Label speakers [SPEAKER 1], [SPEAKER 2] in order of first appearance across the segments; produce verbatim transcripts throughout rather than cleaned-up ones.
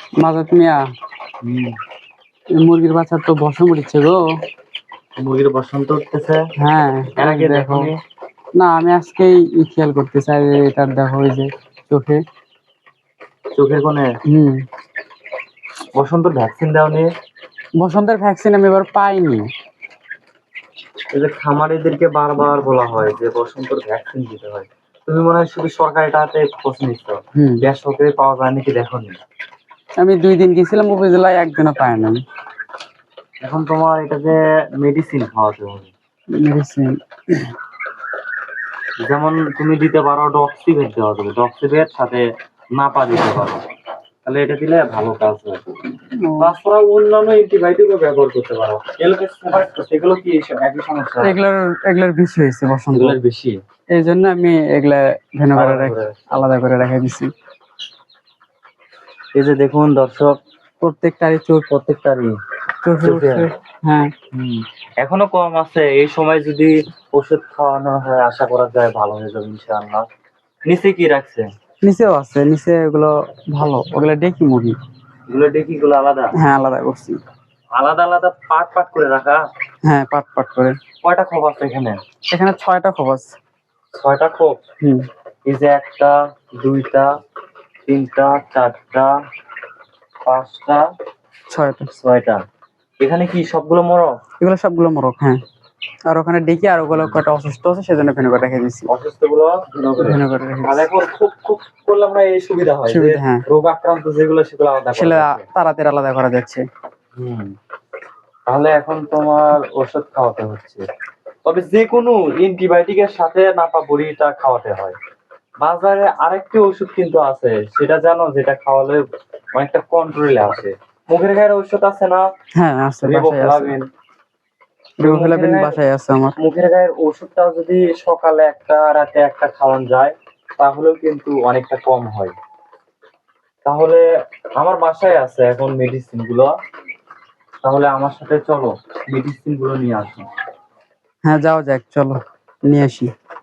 [SPEAKER 1] মাজাত মিয়া, এই মুরগির বাচ্চার তো বসন উঠছে গো।
[SPEAKER 2] মুরগির বসন্ত উঠতেছে?
[SPEAKER 1] হ্যাঁ,
[SPEAKER 2] এর আগে
[SPEAKER 1] দেখো।
[SPEAKER 2] দেখোনি?
[SPEAKER 1] না, আমি আজকেই ই খেয়াল করতে চাই, এটার দেখো ওই যে চোখে।
[SPEAKER 2] চোখের কোণে?
[SPEAKER 1] হুম।
[SPEAKER 2] বসন্ত ভ্যাকসিন দাওনি?
[SPEAKER 1] বসন্তের ভ্যাকসিন আমি এবার পাইনি।
[SPEAKER 2] এই যে খামারিদেরকে বারবার বলা হয় যে বসন্তর ভ্যাকসিন দিতে হয়, তুমি মনে হয় শুধু সরকারিটাতে খোঁজ নিচ্ছ, বেসরকারি পাওয়া যায় নাকি দেখোনি?
[SPEAKER 1] আমি দুই দিন গেছিলাম উপজেলায়, একদিনও পাই না।
[SPEAKER 2] এখন তোমার এটাতে মেডিসিন খাওয়াতে হবে।
[SPEAKER 1] মেডিসিন
[SPEAKER 2] যেমন তুমি দিতে পারো ডক্সিভেট দেওয়া যাবে, ডক্সিভেট সাথে নাপা দিতে পারো, তাহলে এটা দিলে ভালো কাজ হয়। তাছাড়া অন্যান্য অ্যান্টিবায়োটিকও ব্যবহার করতে পারো। সেগুলো কি একই সমস্যা?
[SPEAKER 1] এগুলোর এগুলোর বেশি হয়েছে বসন্ত,
[SPEAKER 2] এগুলোর বেশি,
[SPEAKER 1] এই জন্য আমি এগুলা ভেন করে আলাদা করে রেখে দিছি।
[SPEAKER 2] এই যে দেখুন দর্শক,
[SPEAKER 1] প্রত্যেকটারই চোখ,
[SPEAKER 2] প্রত্যেকটারই
[SPEAKER 1] চোখে। হ্যাঁ,
[SPEAKER 2] এখনো কম আছে, এই সময় যদি ওষুধ খাওয়ানো হয় আশা করা যায় ভালো হয়ে যাবে ইনশাআল্লাহ। নিচে কি রাখছে?
[SPEAKER 1] নিচেও আছে, নিচে এগুলো ভালো, ওগুলো ডেকি মুরগি।
[SPEAKER 2] এগুলো ডেকি গুলো আলাদা?
[SPEAKER 1] হ্যাঁ, আলাদা করছি।
[SPEAKER 2] আলাদা আলাদা পাট পাট করে রাখা?
[SPEAKER 1] হ্যাঁ, পাট পাট করে।
[SPEAKER 2] কয়টা খোপ আছে এখানে?
[SPEAKER 1] এখানে ছয়টা খোপ আছে।
[SPEAKER 2] ছয়টা খোপ?
[SPEAKER 1] হুম।
[SPEAKER 2] এই যে একটা, দুইটা, তিনটা, চারটা, পাঁচটা,
[SPEAKER 1] ছয়টা।
[SPEAKER 2] ছয়টা। এখানে কি সবগুলো মোরগ?
[SPEAKER 1] এগুলো সবগুলো মোরগ। হ্যাঁ, আর ওখানে ডেকে আর ওগুলো কয়টা অসুস্থ আছে সেজন্য ভেন করে রেখে দিছি।
[SPEAKER 2] অসুস্থ গুলো ভেন করে রেখে দিছি। আর এখন খুব খুব করলে আমরা এই সুবিধা হয় যে রোগ আক্রান্ত যেগুলো সেগুলো আলাদা
[SPEAKER 1] সেগুলো তাড়াতাড়ি আলাদা করা যাচ্ছে।
[SPEAKER 2] হুম। তাহলে এখন তোমার ওষুধ খাওয়াতে হচ্ছে, তবে যে কোনো অ্যান্টিবায়োটিকের সাথে নাপা বড়িটা খাওয়াতে হয়। বাজারে আরেকটি ওষুধ কিন্তু আছে, সেটা জানো, যেটা খাওয়ালে অনেকটা কন্ট্রোলে আসে। মুখের গায়ের ওষুধ আছে না?
[SPEAKER 1] হ্যাঁ, আছে,
[SPEAKER 2] রিবোফ্লাভিন।
[SPEAKER 1] রিবোফ্লাভিন বাসায় আছে আমার।
[SPEAKER 2] মুখের গায়ের ওষুধটা যদি সকালে একটা রাতে একটা খাওয়ানো যায় তাহলেও কিন্তু অনেকটা কম হয়। তাহলে আমার বাসায় আছে এখন মেডিসিন গুলো, তাহলে আমার সাথে চলো মেডিসিন গুলো নিয়ে আসো।
[SPEAKER 1] হ্যাঁ, যাও যাক, চলো নিয়ে আসি।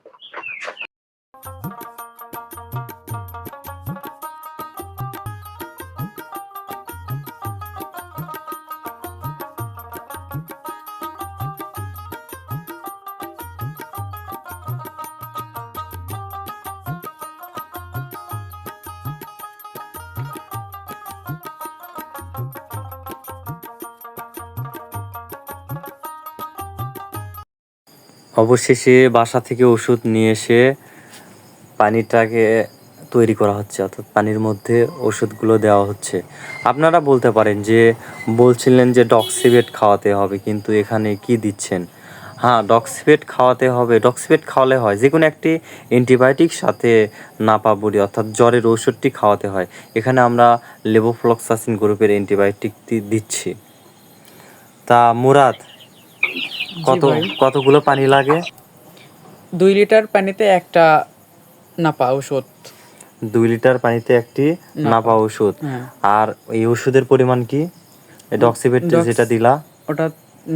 [SPEAKER 2] অবশেষে বাসা থেকে ওষুধ নিয়ে এসে পানিটাকে তৈরি করা হচ্ছে, অর্থাৎ পানির মধ্যে ওষুধগুলো দেওয়া হচ্ছে। আপনারা বলতে পারেন যে বলছিলেন যে ডক্সিভেট খাওয়াতে হবে, কিন্তু এখানে কি দিচ্ছেন? হ্যাঁ, ডক্সিভেট খাওয়াতে হবে। ডক্সিভেট খাওয়ালে হয় যে কোনো একটি অ্যান্টিবায়োটিক সাথে নাপা বড়ি অর্থাৎ জ্বরের ওষুধটি খাওয়াতে হয়। এখানে আমরা লেভোফ্লক্সাসিন গ্রুপের অ্যান্টিবায়োটিকটি দিচ্ছি। তা মুরাদ, কত কতগুলো পানি লাগে?
[SPEAKER 1] দুই লিটার পানিতে একটা নাপা ওষুধ।
[SPEAKER 2] দুই লিটার পানিতে একটি নাপা ওষুধ। আর এই ওষুধের পরিমাণ কি? ডক্সিভেট যেটা দিলা
[SPEAKER 1] ওটা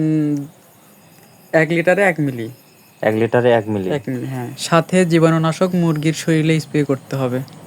[SPEAKER 1] এক লিটারে এক মিলি।
[SPEAKER 2] এক লিটারে এক মিলি?
[SPEAKER 1] এক মিলি, হ্যাঁ। সাথে জীবাণুনাশক মুরগির শরীরে স্প্রে করতে হবে।